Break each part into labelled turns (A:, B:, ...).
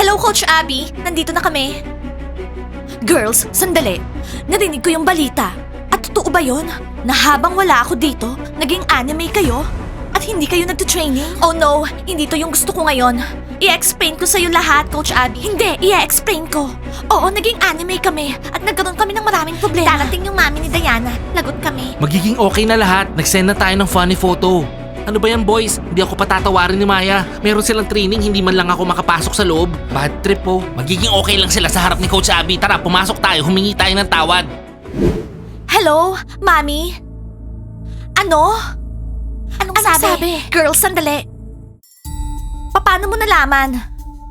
A: Hello, Coach Abby. Nandito na kami. Girls, sandali. Narinig ko yung balita. At totoo ba yun? Na habang wala ako dito, naging anime kayo? At hindi kayo nagtitraining? Oh no, hindi to yung gusto ko ngayon. I-explain ko sa'yo lahat, Coach Abby. Hindi, i-explain ko. Oo, naging anime kami at nagkaroon kami ng maraming problema. Darating yung mami ni Diana. Lagot kami.
B: Magiging okay na lahat. Nag-send na tayo ng funny photo. Ano ba yan, boys? Hindi ako patatawarin ni Maya. Meron silang training, hindi man lang ako makapasok sa loob. Bad trip po. Magiging okay lang sila sa harap ni Coach Abby. Tara, pumasok tayo. Humingi tayo ng tawad.
A: Hello, Mami? Ano? Anong sabi? Girls, sandali. Paano mo nalaman?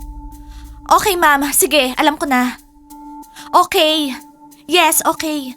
A: Okay, ma'am. Sige, alam ko na. Okay. Yes, okay.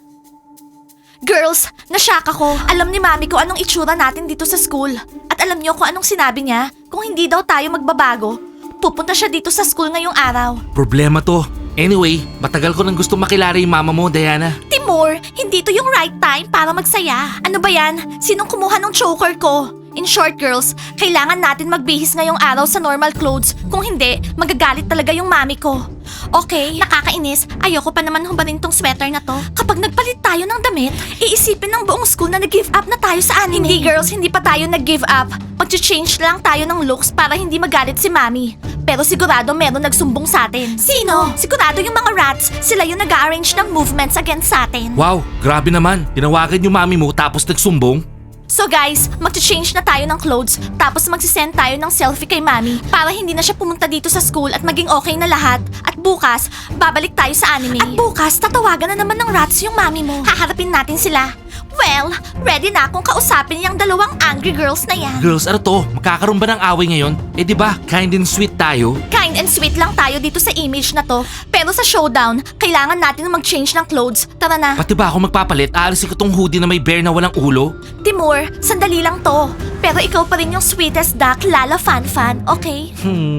A: Girls, nashock ako. Alam ni Mami ko anong itsura natin dito sa school. At alam niyo kung anong sinabi niya? Kung hindi daw tayo magbabago, pupunta siya dito sa school ngayong araw.
B: Problema to. Anyway, matagal ko nang gusto makilala yung mama mo, Diana.
A: Timur, hindi to yung right time para magsaya. Ano ba yan? Sinong kumuha ng choker ko? In short, girls, kailangan natin magbihis ngayong araw sa normal clothes. Kung hindi, magagalit talaga yung mami ko. Okay, nakakainis. Ayoko pa naman hubarin tong sweater na to. Kapag nagpalit tayo ng damit, iisipin ng buong school na nag-give up na tayo sa anime. Hindi, girls, hindi pa tayo nag-give up. Mag-change lang tayo ng looks para hindi magalit si mami. Pero sigurado meron nagsumbong sa atin. Sino? Sigurado yung mga rats. Sila yung nag-arrange ng movements against sa atin.
B: Wow, grabe naman. Tinawagan yung mami mo tapos nagsumbong.
A: So guys, mag-change na tayo ng clothes tapos magsisend tayo ng selfie kay Mami para hindi na siya pumunta dito sa school at maging okay na lahat. At bukas, babalik tayo sa anime. At bukas, tatawagan na naman ng rats yung Mami mo. Haharapin natin sila. Well, ready na akong kausapin yung dalawang angry girls na yan.
B: Girls, ano to? Magkakaroon ba ng away ngayon? Eh di ba, kind and sweet tayo?
A: Kind and sweet lang tayo dito sa image na to. Pero sa showdown, kailangan natin mag-change ng clothes. Tara na.
B: Pati ba ako magpapalit? Aalisin ko tong hoodie na may bear na walang ulo?
A: Timur, sandali lang to. Pero ikaw pa rin yung sweetest duck, Lala Fan, okay?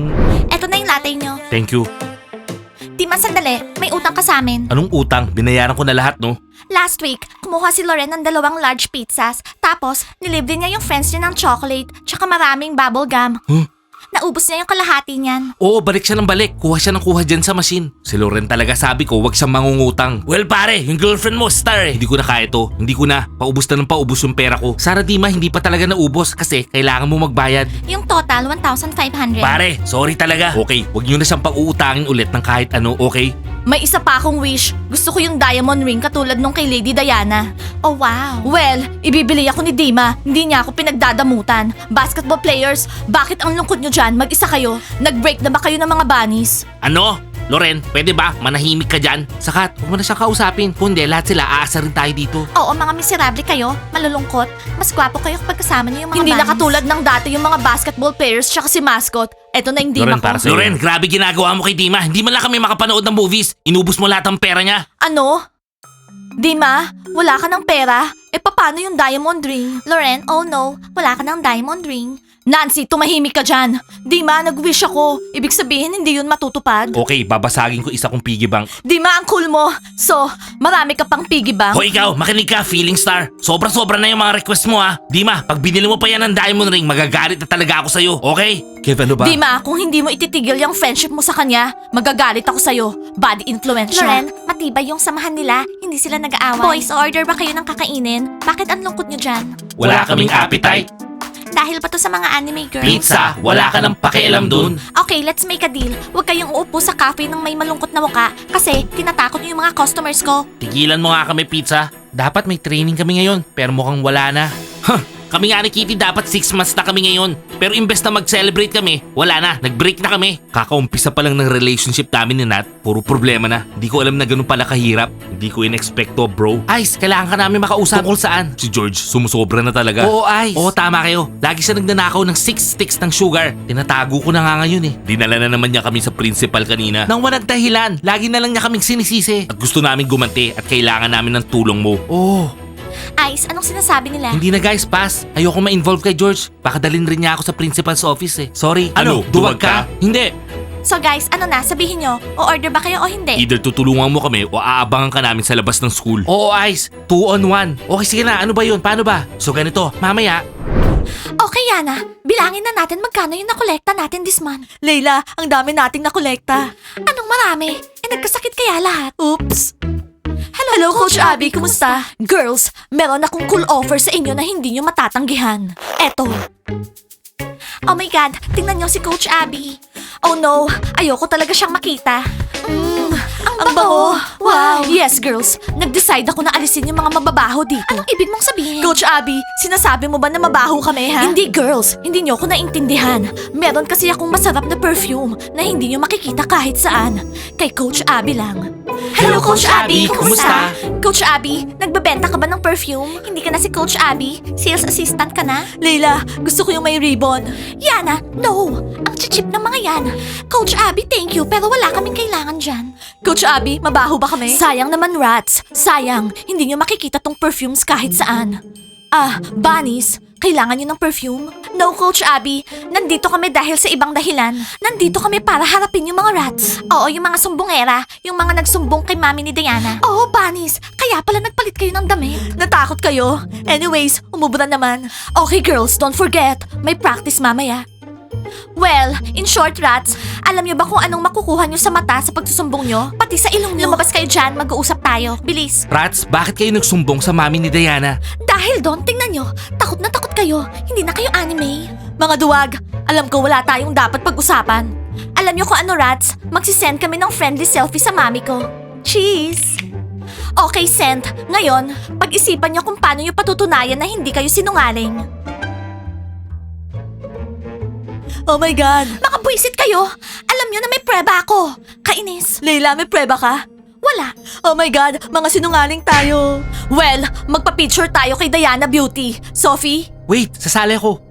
A: Eto na yung latte nyo.
B: Thank you.
A: Tima, sandali. May utang ka sa amin.
B: Anong utang? Binayaran ko na lahat, no?
A: Last week, kumuha si Loren ng 2 large pizzas. Tapos, nilibre niya yung friends niya ng chocolate tsaka maraming bubble gum.
B: Huh?
A: Naubos niya yung kalahati niyan.
B: Oo, balik siya ng balik. Kuha siya ng kuha dyan sa machine. Si Loren talaga sabi ko, wag siyang mangungutang. Well pare, yung girlfriend mo, star eh. Hindi ko na kaya to. Hindi ko na. Paubos na ng paubos yung pera ko. Sana Dima, hindi pa talaga naubos kasi kailangan mo magbayad.
A: Yung total, 1,500.
B: Pare, sorry talaga. Okay, wag nyo na siyang pag-uutangin ulit ng kahit ano, okay?
A: May isa pa akong wish. Gusto ko yung diamond ring katulad nung kay Lady Diana. Oh wow. Well, ibibili ako ni Dima. Hindi niya ako pinagdadamutan. Basketball players, bakit ang lungkot nyo dyan? Mag-isa kayo. Nag-break na ba kayo ng mga bunnies?
B: Ano? Loren, pwede ba? Manahimik ka dyan. Sakat, huwag mo na siyang kausapin. Kundi lahat sila aasa rin tayo dito.
A: Oo, mga miserable kayo. Malulungkot. Mas gwapo kayo kapag kasama niyo yung mga Hindi na katulad ng dati yung mga basketball players tsaka si mascot. Eto na yung Dima ko.
B: Loren, grabe ginagawa mo kay Dima. Hindi man lang kami makapanood ng movies. Inubos mo lahat ng pera niya.
A: Ano? Dima, wala ka ng pera? E paano yung diamond ring? Loren, oh no, wala ka ng diamond ring. Nancy, tumahimik ka dyan. Dima, nag-wish ako. Ibig sabihin, hindi yun matutupad.
B: Okay, babasagin ko isa kong piggy bank.
A: Dima, ang cool mo. So, marami ka pang piggy bank?
B: Hoy ikaw, makinig ka, feeling star. Sobra-sobra na yung mga request mo ha. Dima, pag binili mo pa yan ng diamond ring, magagalit na talaga ako sa'yo, okay? Kev, ano ba?
A: Dima, kung hindi mo ititigil yung friendship mo sa kanya, magagalit ako sa'yo. Bad influence siya. Loren, matibay yung samahan nila. Hindi sila nag-aaway. Boys, order ba kayo ng kakainin? Bakit ang lungkot nyo dyan?
B: Wala kaming appetite.
A: Dahil pa to sa mga anime girls.
B: Pizza, wala ka ng pakialam dun.
A: Okay, let's make a deal. Huwag kayong uupo sa cafe ng may malungkot na muka kasi tinatakot niyo yung mga customers ko.
B: Tigilan mo nga kami, pizza. Dapat may training kami ngayon, pero mukhang wala na. Kami nga ni Kitty dapat 6 months na kami ngayon. Pero imbes na mag-celebrate kami, wala na, nag-break na kami. Kakaumpisa pa lang ng relationship namin ni Nat, puro problema na. Hindi ko alam na ganun pala kahirap. Hindi ko in-expect to, bro. Ice, kailangan ka namin makausap. Tungkol saan? Si George, sumusobra na talaga. Oo, Ice. Oo, tama kayo. Lagi siya nagnanakaw ng 6 sticks ng sugar. Tinatago ko na nga ngayon eh. Dinala na naman niya kami sa principal kanina. Nang walang dahilan, lagi na lang niya kaming sinisisi. At gusto namin gumanti at kailangan namin ng tulong mo. Oh.
A: Ice, anong sinasabi nila?
B: Hindi na guys, pass. Ayoko ma-involve kay George. Baka dalhin rin niya ako sa principal's office eh. Sorry.
C: Ano, duwag ka?
B: Hindi.
A: So guys, ano na, sabihin nyo, o-order ba kayo o hindi?
B: Either tutulungan mo kami o aabangan ka namin sa labas ng school. Oo, Ice. 2 on 1. Okay, sige na. Ano ba yun? Paano ba? So ganito, mamaya,
A: Okay, Yana. Bilangin na natin magkano yung nakolekta natin this month. Layla, ang dami nating nakolekta. Anong marami? Nagkasakit kaya lahat? Oops. Hello, Coach Abby. Kumusta? Girls, meron akong cool offer sa inyo na hindi nyo matatanggihan. Eto. Oh my God, tingnan nyo si Coach Abby. Oh no, ayoko talaga siyang makita. Ang bango. Wow. Yes, girls. Nag-decide ako na alisin yung mga mababaho dito. Anong ibig mong sabihin? Coach Abby, sinasabi mo ba na mabaho kami, ha? Hindi, girls. Hindi nyo ako naintindihan. Meron kasi akong masarap na perfume na hindi nyo makikita kahit saan. Kay Coach Abby lang.
B: Hello, Coach Abby. Kumusta?
A: Coach Abby, nagbebenta ka ba ng perfume? Hindi ka na si Coach Abby? Sales assistant ka na? Leila, gusto ko yung may ribbon. Yana, no. Ang chichip ng mga yan. Coach Abby, thank you, pero wala kaming kailangan dyan. Coach Abby, mabaho ba kami? Sayang naman, rats. Sayang. Hindi nyo makikita tong perfumes kahit saan. Bunnies, kailangan nyo ng perfume? No, Coach Abby. Nandito kami dahil sa ibang dahilan. Nandito kami para harapin yung mga rats. Oo, yung mga sumbongera. Yung mga nagsumbong kay mami ni Diana. Oo, Bunnies. Kaya pala nagpalit kayo ng damit. Natakot kayo? Anyways, umubra naman. Okay, girls, don't forget. May practice mamaya. Well, in short, rats, alam niyo ba kung anong makukuha niyo sa mata sa pagsusumbong niyo? Pati sa ilong niyo. Lumabas kayo dyan, mag-uusap tayo. Bilis.
B: Rats, bakit kayo nagsumbong sa mami ni Diana?
A: Dahil doon, tingnan nyo, takot na takot kayo. Hindi na kayo anime. Mga duwag, alam ko wala tayong dapat pag-usapan. Alam nyo kung ano, rats? Magsisend kami ng friendly selfie sa mami ko. Cheese! Okay, send. Ngayon, pag-isipan nyo kung paano nyo patutunayan na hindi kayo sinungaling. Oh my God! Makabwisit kayo! Alam nyo na may preba ako! Kainis! Leila, may preba ka? Wala. Oh my God, mga sinungaling tayo. Well, magpa-picture tayo kay Diana Beauty. Sophie?
B: Wait, sasali ako.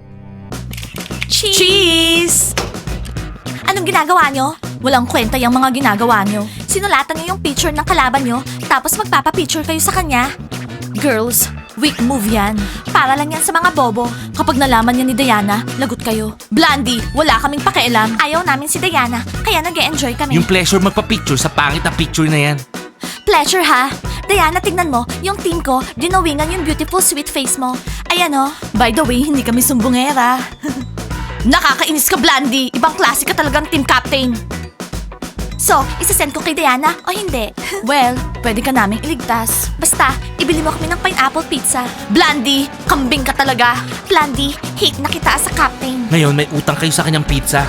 A: Cheese! Anong ginagawa nyo? Walang kwenta yung mga ginagawa nyo. Sinulatan nyo yung picture ng kalaban nyo, tapos magpapa-picture kayo sa kanya. Girls, weak move yan. Para lang yan sa mga bobo. Kapag nalaman yan ni Diana, lagot kayo. Blandy, wala kaming pakialam. Ayaw namin si Diana, kaya nag-e-enjoy kami.
B: Yung pleasure magpa-picture sa pangit na picture na yan.
A: Pleasure ha? Diana, tignan mo, yung team ko, dinawingan yung beautiful sweet face mo. Ayan oh. By the way, hindi kami sumbongera. Nakakainis ka, Blandy. Ibang klase ka talagang team captain. So, isasend ko kay Diana o hindi? Well, pwede ka naming iligtas. Basta, ibili mo kami ng pineapple pizza. Blandy, kambing ka talaga. Blandy, hate na kita sa captain.
B: Ngayon, may utang kayo sa kanyang pizza.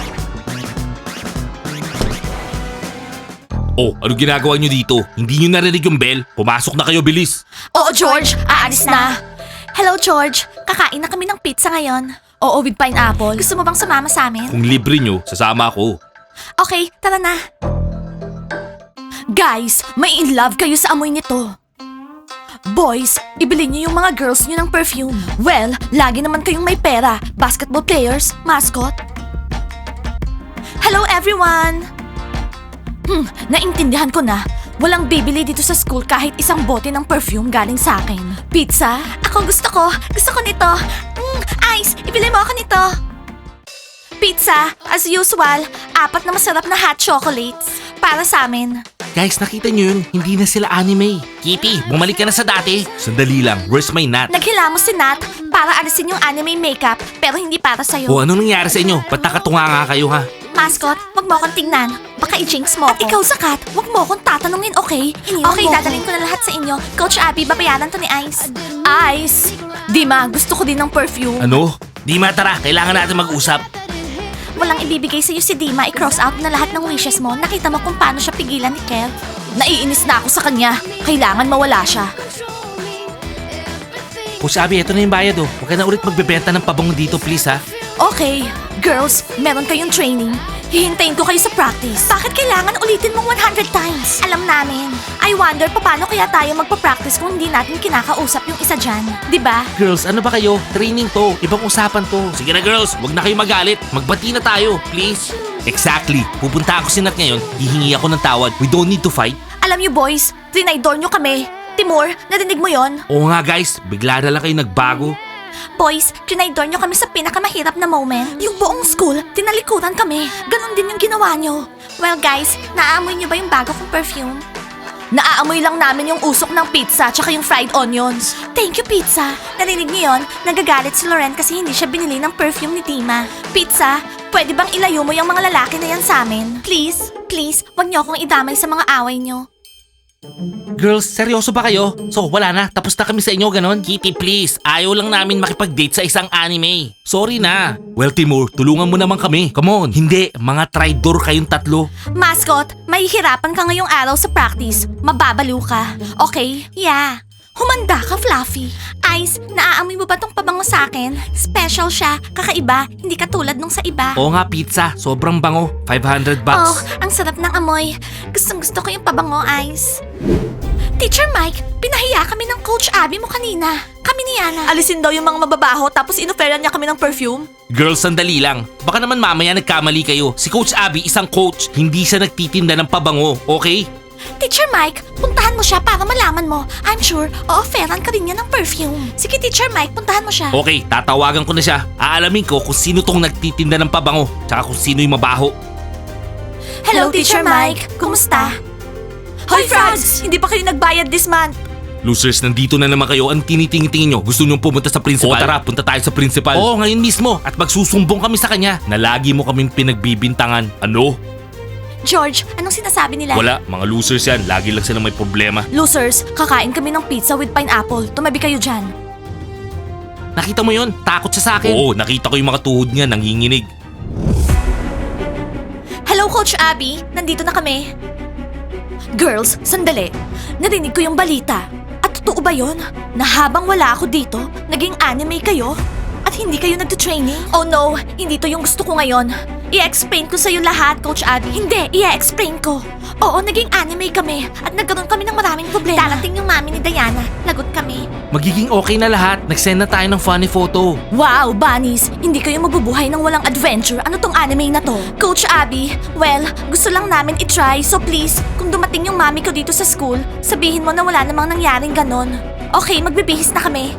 B: Oh, ano ginagawa nyo dito? Hindi nyo narinig yung bell? Pumasok na kayo, bilis.
A: Oo, George, aalis na. Hello, George. Kakain na kami ng pizza ngayon. Oo, with pineapple. Gusto mo bang sumama sa amin?
B: Kung libre nyo, sasama ako.
A: Okay, tara na. Guys, may in love kayo sa amoy nito. Boys, ibili niyo yung mga girls niyo ng perfume. Well, lagi naman kayong may pera. Basketball players, mascot. Hello everyone! Naintindihan ko na. Walang bibili dito sa school kahit isang bote ng perfume galing sa akin. Pizza? Ako gusto ko. Gusto ko nito. Ice, ibili mo ako nito. Pizza, as usual, 4 na masarap na hot chocolates. Para sa amin.
B: Guys, nakita nyo yun? Hindi na sila anime. Kitty, bumalik ka na sa dati. Sandali lang, where's my nut?
A: Naghilamos si Nat para alisin yung anime makeup pero hindi para sa'yo.
B: O ano nangyari sa inyo? Ba't nakatunga nga kayo ha?
A: Mascot, wag mo akong tingnan. Baka i-jinx mo ako. At ikaw, Zakat, wag mo akong tatanungin, okay? Okay, dadalhin ko na lahat sa inyo. Coach Abby, babayaran to ni Ice. Ice! Dima, gusto ko din ng perfume.
B: Ano? Di matara, kailangan natin mag-usap.
A: Walang ibibigay sa'yo si Dima, i-cross out na lahat ng wishes mo. Nakita mo kung paano siya pigilan ni Kev. Naiinis na ako sa kanya. Kailangan mawala siya.
B: Coach Abby, eto na yung bayad oh. Huwag ka na ulit magbebenta ng pabong dito, please ha.
A: Okay, girls, meron kayong training. Hihintayin ko kayo sa practice. Bakit kailangan ulitin mong 100 times? Alam namin. I wonder paano kaya tayo magpa-practice kung hindi natin kinakausap yung isa dyan. Diba?
B: Girls, ano ba kayo? Training to. Ibang usapan to. Sige na girls, huwag na kayo magalit. Magbati na tayo, please. Exactly. Pupunta ako si Nat ngayon. Hihingi ako ng tawad. We don't need to fight.
A: Alam niyo boys, trinaydor niyo kami. Timur, narinig mo yon?
B: Oo nga guys, bigla na lang kayo nagbago.
A: Boys, trinaydor nyo kami sa pinakamahirap na moment. Yung buong school, tinalikuran kami. Ganon din yung ginawa nyo. Well guys, naamoy nyo ba yung bago kong perfume? Naaamoy lang namin yung usok ng pizza tsaka yung fried onions. Thank you, pizza. Narinig niyo yun? Nagagalit si Loren kasi hindi siya binili ng perfume ni Dima. Pizza, pwede bang ilayo mo yung mga lalaki na yan sa amin? Please, please, wag niyo akong idamay sa mga away niyo.
B: Girls, seryoso ba kayo? So, wala na. Tapos na kami sa inyo, ganon? Kitty, please. Ayaw lang namin makipag-date sa isang anime. Sorry na. Well, Timur, tulungan mo naman kami. Come on. Hindi, mga traidor kayong tatlo.
A: Mascot, mahihirapan ka ngayong araw sa practice. Mababaliw ka. Okay? Yeah. Humanda ka, Fluffy. Ice, naaamoy mo ba tong pabango sa akin? Special siya, kakaiba, hindi katulad nung sa iba.
B: Oo nga, pizza. Sobrang bango. $500 bucks.
A: Oh, ang sarap ng amoy. Gustong gusto ko yung pabango, Ice. Teacher Mike, pinahiya kami ng Coach Abby mo kanina. Kami ni Yana. Alisin daw yung mga mababaho tapos inoferan niya kami ng perfume.
B: Girls, sandali lang. Baka naman mamaya nagkamali kayo. Si Coach Abby, isang coach. Hindi siya nagtitinda ng pabango, okay?
A: Teacher Mike, puntahan mo siya para malaman mo. I'm sure, o-offeran ka rin niya ng perfume. Sige, Teacher Mike, puntahan mo siya.
B: Okay, tatawagan ko na siya. Aalamin ko kung sino tong nagtitinda ng pabango. Tsaka kung sino yung mabaho.
A: Hello, Teacher Mike. Kumusta? Hoy, Frogs! Hindi pa kayo nagbayad this month.
B: Losers, nandito na naman kayo. Ang tinitingin nyo. Gusto nyo pumunta sa principal? O tara, punta tayo sa principal. Oo, ngayon mismo. At magsusumbong kami sa kanya na lagi mo kaming pinagbibintangan. Ano?
A: George, anong sinasabi nila?
B: Wala, mga losers yan. Lagi lang sila may problema.
A: Losers, kakain kami ng pizza with pineapple. Tumabi kayo dyan.
B: Nakita mo yun? Takot siya sa akin. Oo, nakita ko yung mga tuhod niya nanginginig.
A: Hello, Coach Abby. Nandito na kami. Girls, sandali. Narinig ko yung balita. At totoo ba yun? Na habang wala ako dito, naging anime kayo? At hindi kayo nagtutraining? Oh no, hindi to yung gusto ko ngayon. I-explain ko sa'yo lahat, Coach Abby. Hindi, i-explain ko. Oo, naging anime kami at nagkaroon kami ng maraming problema. Darating yung mami ni Diana. Lagot kami.
B: Magiging okay na lahat. Nag-send na tayo ng funny photo.
A: Wow, bunnies! Hindi kayo mabubuhay ng walang adventure. Ano tong anime na to? Coach Abby, well, gusto lang namin itry. So please, kung dumating yung mami ko dito sa school, sabihin mo na wala namang nangyaring ganon. Okay, magbibihis na kami.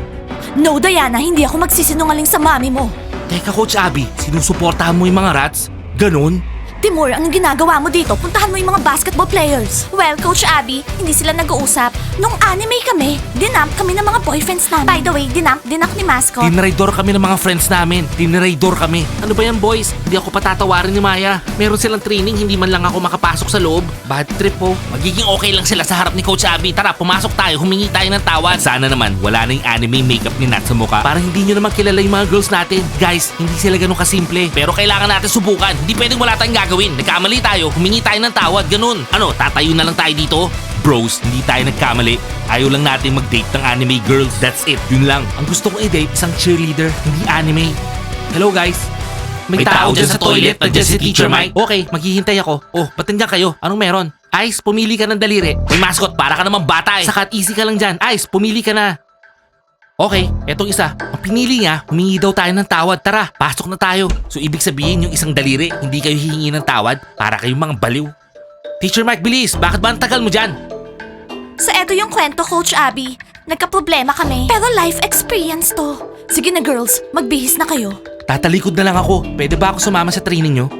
A: No, Diana, hindi ako magsisinungaling sa mami mo.
B: Teka, Coach Abby, sinusuportahan mo yung mga rats? Ganon?
A: Timur, anong ginagawa mo dito? Puntahan mo yung mga basketball players. Well, Coach Abby, hindi sila nag-uusap. Nung anime kami, dinamp kami ng mga boyfriends namin. By the way, dinamp ni Mascot.
B: Tinraidor kami ng mga friends namin. Tinraidor kami. Ano ba yan, boys? Hindi ako patatawarin ni Maya. Meron silang training, hindi man lang ako makapasok sa loob. Bad trip po. Magiging okay lang sila sa harap ni Coach Abby. Tara, pumasok tayo. Humingi tayo ng tawad. Sana naman, wala na yung anime makeup ni Nat sa mukha. Para hindi nyo naman kilala yung mga girls natin. Guys, hindi sila ganun kasimple. Pero kailangan natin subukan. Hindi pwedeng wala tayong gagawin. Nagkamali tayo, humingi tayo ng tawad. Ganun. Ano, tatayo na lang tayo dito? Bros, hindi tayo nagkamali. Ayaw lang natin mag-date ng anime girls. That's it. Yun lang. Ang gusto kong i-date, isang cheerleader, hindi anime. Hello guys. May tao dyan sa toilet. Nandiyan si Teacher Mike. Okay, maghihintay ako. Oh, ba't nandiyan kayo? Anong meron? Ice, pumili ka ng daliri. May mascot, para ka naman bata eh. Sakat, easy ka lang dyan. Ice, pumili ka na. Okay, etong isa. Ang pinili niya, humingi daw tayo ng tawad. Tara, pasok na tayo. So ibig sabihin yung isang daliri, hindi kayo hihingi ng tawad para kayong mga baliw. Teacher Mike, bilis! Bakit ba ang tagal mo dyan?
A: So eto yung kwento, Coach Abby. Nagka-problema kami. Pero life experience to. Sige na girls, magbihis na kayo.
B: Tatalikod na lang ako. Pwede ba ako sumama sa training nyo?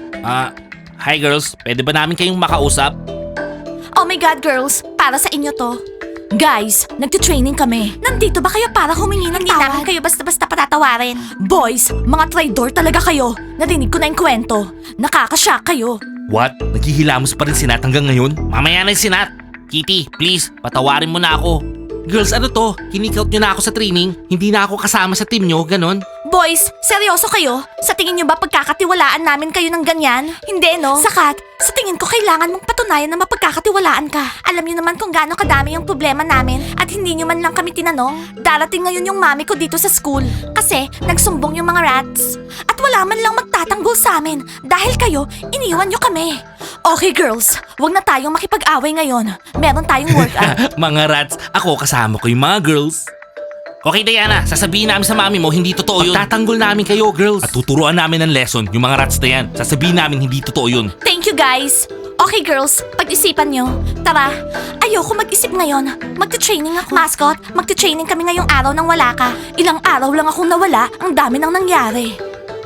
B: Hi girls. Pwede ba namin kayong makausap?
A: Oh my God, girls, para sa inyo to. Guys, nagtitraining kami. Nandito ba kayo para humingi ng tawad? Hindi namin kayo basta-basta patatawarin. Boys, mga traidor talaga kayo. Narinig ko na yung kwento. Nakakashock kayo.
B: What? Naghihilamos pa rin si Nat hanggang ngayon? Mamaya na yung si Nat. Kitty, please, patawarin mo na ako. Girls, ano to? Kinikout nyo na ako sa training? Hindi na ako kasama sa team nyo, ganon?
A: Boys, seryoso kayo? Sa tingin nyo ba pagkakatiwalaan namin kayo ng ganyan? Hindi, no? Sakat, sa tingin ko kailangan mong patunayan na mapagkakatiwalaan ka. Alam nyo naman kung gaano kadami yung problema namin at hindi nyo man lang kami tinanong. Darating ngayon yung mami ko dito sa school kasi nagsumbong yung mga rats. At wala man lang magtatanggol sa amin dahil kayo, iniwan nyo kami. Okay girls, wag na tayong makipag-away ngayon. Meron tayong workout.
B: Mga rats, ako kasama ko yung mga girls. Okay Diana, sasabihin namin sa mami mo hindi totoo yun. Tatanggol namin kayo girls. At tuturuan namin ng lesson yung mga rats na yan. Sasabihin namin hindi totoo yun.
A: Thank you guys. Okay girls, pag-isipan nyo. Tara, ayoko mag-isip ngayon. Magte-training ako. Mascot, magte-training kami ngayong araw nang wala ka. Ilang araw lang akong nawala, ang dami nang nangyari.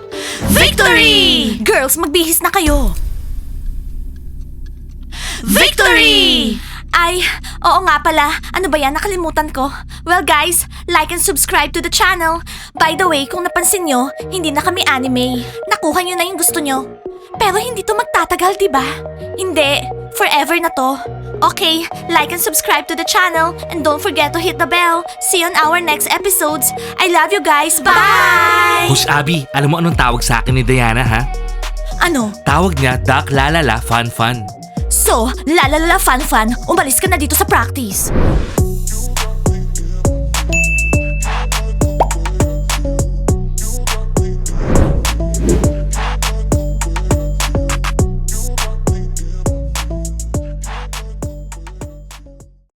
A: Victory! Girls, magbihis na kayo. Victory! Ay, oo nga pala. Ano ba yan? Nakalimutan ko. Well guys, like and subscribe to the channel. By the way, kung napansin nyo, hindi na kami anime. Nakuha nyo na yung gusto nyo. Pero hindi to magtatagal, diba? Hindi. Forever na to. Okay, like and subscribe to the channel. And don't forget to hit the bell. See you on our next episodes. I love you guys. Bye!
B: Hush, Abby, alam mo anong tawag sa akin ni Diana, ha?
A: Ano?
B: Tawag niya, Duck Lalala Fun Fun.
A: So, lalalala fun fun, umalis ka na dito sa practice.